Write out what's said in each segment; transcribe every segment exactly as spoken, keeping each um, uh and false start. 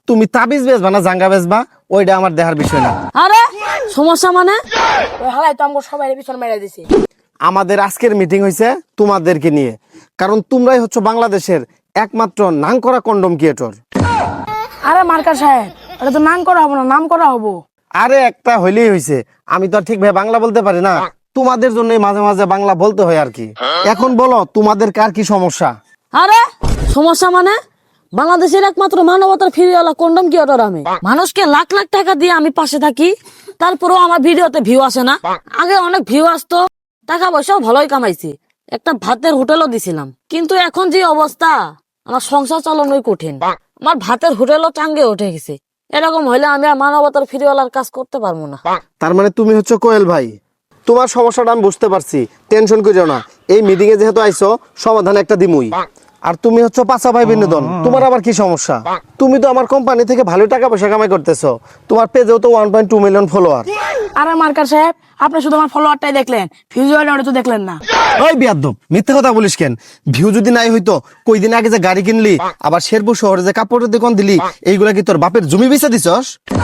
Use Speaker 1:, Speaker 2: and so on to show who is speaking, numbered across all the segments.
Speaker 1: তুমি তাবিজ বেচবা না জাঙ্গা বেচবা ওইটা আমার দেখার বিষয় না।
Speaker 2: আরে সমস্যা মানে
Speaker 3: ওই হালাই তো আমাকে সবাই পিছন মেরে দিছে।
Speaker 1: আমাদের আজকের মিটিং হয়েছে তোমাদেরকে নিয়ে, কারণ তোমরাই হচ্ছে বাংলাদেশের একমাত্র নাম করা কন্ডম ক্রিয়েটর।
Speaker 3: আরে মার্কার সাহেব, এটা তো নাম করা হবো না, নাম করা হবো।
Speaker 1: আরে একটা হইলেই হয়েছে, আমি তো আর ঠিকভাবে বাংলা বলতে পারি না, তোমাদের জন্য মাঝে মাঝে বাংলা বলতে হয় আর কি। এখন বলো তোমাদের কার কি সমস্যা?
Speaker 2: আরে সমস্যা মানে বাংলাদেশের একমাত্র মানবতার ফিরিওয়ালা কন্ডম ক্রিয়েটর আমি। মানুষকে লাখ লাখ টাকা দিয়ে আমি পাশে থাকি, তারপরেও আমার ভিডিওতে ভিউ আসে না। আগে অনেক ভিউ আসতো, টাকা পয়সাও ভালোই কামাইছি, একটা ভাতের হোটেলও দিছিলাম। কিন্তু এখন যে অবস্থা, আমার সংসার চালানোই কঠিন। আমার ভাতের হোটেলও টাঙ্গে উঠে গেছে। এরকম হইলে আমি আর মানবতার ফিরিওয়ালার কাজ করতে পারবো না।
Speaker 1: তার মানে তুমি হচ্ছে কোয়েল ভাই, তোমার সমস্যাটা আমি বুঝতে পারছি, টেনশন করিও না। এই মিটিং এ যেহেতু আইছো, সমাধান একটা দিমুই। আর তুমি হচ্ছে পাঁচা ভাই বিনোদন, তোমার আবার কি সমস্যা? তুমি তো আমার কোম্পানি থেকে ভালো টাকা পয়সা কামাই করতেছো, তোমার পেজেও তো one point two million follower.
Speaker 3: আরে মার্কার সাহেব, আপনি শুধু আমার ফলোয়ারটাই দেখলেন, ফিউজ তো দেখলেন না।
Speaker 1: ওই বিয়াদ্দব, মিথ্যে কথা বলিস কেন? ভিউ যদি নাই হইতো, কই দিন আগে যে গাড়ি কিনলি, আবার শেরপুর শহরে যে কাপড়ের দোকান দিলি, এইগুলা কি তোর বাপের জমি বেচা দিছস?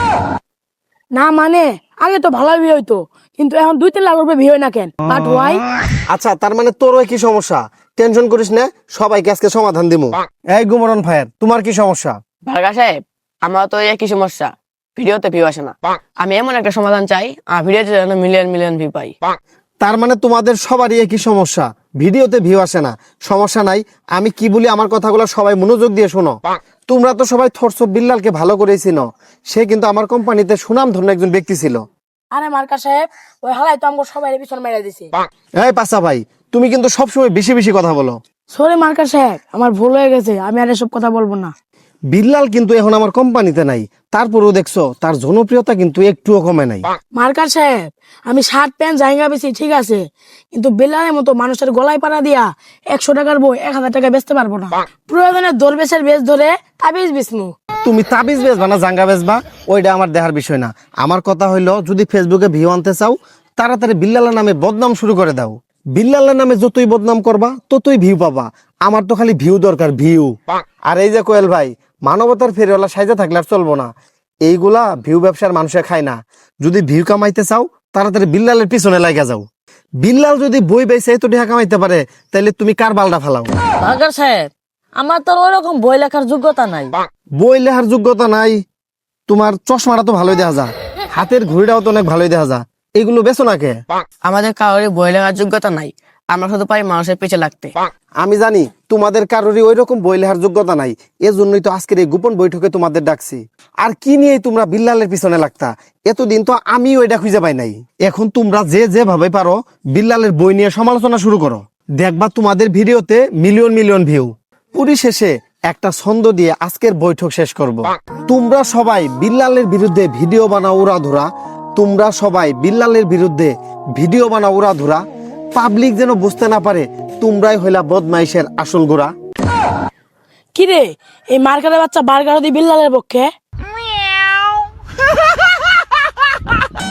Speaker 3: না মানে আগে তো ভালো ভিউ হইতো, কিন্তু এখন দুই তিন লাখ রুপে ভিউ হয় না কেন? But why?
Speaker 1: আচ্ছা, তার মানে তোরও কি সমস্যা? টেনশন করিস না, সবাইকে আজকে সমাধান দিমু। এই গুমরন ভাইয়ের, তোমার কি সমস্যা?
Speaker 4: ভার্গা সাহেব, আমার তো একই সমস্যা, ভিডিওতে ভিউ আসে না। আমি এমন একটা সমাধান চাই, আর ভিডিওতে যেন মিলিয়ন মিলিয়ন ভিউ পাই।
Speaker 1: তার মানে তোমাদের সবারই একই সমস্যা, ভিডিওতে ভিউ আসে না। সমস্যা নাই, আমি কি বলি আমার কথাগুলো সবাই মনোযোগ দিয়ে শোনো। তোমরা তো সবাই থরস বিল্লালকে ভালো করেই চিনো, সে কিন্তু আমার কোম্পানিতে সুনাম ধন্য একজন ব্যক্তি ছিল।
Speaker 3: আরে মার্কার সাহেব, ওই হালাই তো আমাকে সবাই পিছন মেরে দিছে।
Speaker 1: এই পাশা ভাই, তুমি কিন্তু সবসময় বেশি বেশি কথা বলো।
Speaker 3: সরি মার্কার সাহেব, আমার ভুল হয়ে গেছে, আমি আর এসব কথা বলবো না।
Speaker 1: বিল্লাল কিন্তু এখন আমার কোম্পানিতে নাই, তারপরেও দেখছো তার জনপ্রিয়তা কিন্তু একটুও কমে নাই।
Speaker 3: মার্কার সাহেব, আমি শার্ট প্যান্ট জায়গা বেশি ঠিক আছে, কিন্তু বেলারের মতো মানুষের গলায় পাড়া দিয়া একশো টাকার বই এক হাজার টাকা বেচতে পারবো না। প্রয়োজনে দরবেশের বেশ ধরে তাবিজ বিষ্ণু।
Speaker 1: তুমি তাবিজ বেচবা না জাঙ্গা বেচবা ওইটা আমার দেখার বিষয় না। আমার কথা হইলো, যদি ফেসবুকে ভিউ আনতে চাও, তাড়াতাড়ি বিল্লালের নামে বদনাম শুরু করে দাও। বিল্লালের নামে যতই বদনাম করবা ততই ভিউ পাবা। আমার তো খালি ভিউ দরকার, ভিউ। আর এই যে কোয়েল ভাই, মানবতার ফেরিওয়ালা সাইজে থাকলে আর চলবো না। এইগুলা ভিউ ব্যবসার মানুষে খায় না। যদি ভিউ কামাইতে চাও, তাড়াতাড়ি বিল্লালের পিছনে লাগা যাও। বিল্লাল যদি বই বেচে এত টাকা কামাইতে পারে, তাহলে তুমি কার বালটা ফালাও?
Speaker 2: ভার্গা সাহেব, আমার তো ওইরকম বই লেখার যোগ্যতা নাই।
Speaker 1: বই লেখার যোগ্যতা নাই? তোমার চশমাটা তো ভালোই দেখা যা, হাতের ঘড়িটাও তো অনেক ভালোই দেখা যা, এগুলো বেচো না কে?
Speaker 4: আমাদের কারোরই বই লেখার যোগ্যতা নাই, আমরা শুধু পারি মানুষের পিছে লাগতে।
Speaker 1: আমি জানি তোমাদের কারোরই ওই রকম বই লেখার যোগ্যতা নাই, এজন্যই তো আজকের এই গোপন বৈঠকে তোমাদের ডাকছি। আর কি নিয়ে তোমরা বিল্লালের পিছনে লাগতা? এতদিন তো আমি ওইটা খুঁজে পাই নাই। এখন তোমরা যে যেভাবে পারো বিল্লালের বই নিয়ে সমালোচনা শুরু করো, দেখবা তোমাদের ভিডিওতে মিলিয়ন মিলিয়ন ভিউ। পরিশেষে একটা ছন্দ দিয়ে আজকের বৈঠক শেষ করব। তোমরা সবাই বিল্লালের বিরুদ্ধে ভিডিও বানাও উড়াধুরা, তোমরা সবাই বিল্লালের বিরুদ্ধে ভিডিও বানাও উড়াধুরা। পাবলিক যেন বুঝতে না পারে তোমরাই হইলা বদমাইশের আসল গোড়া।
Speaker 3: কিরে, এই মার্কারের বাচ্চা বার্গার দি বিল্লালের পক্ষে?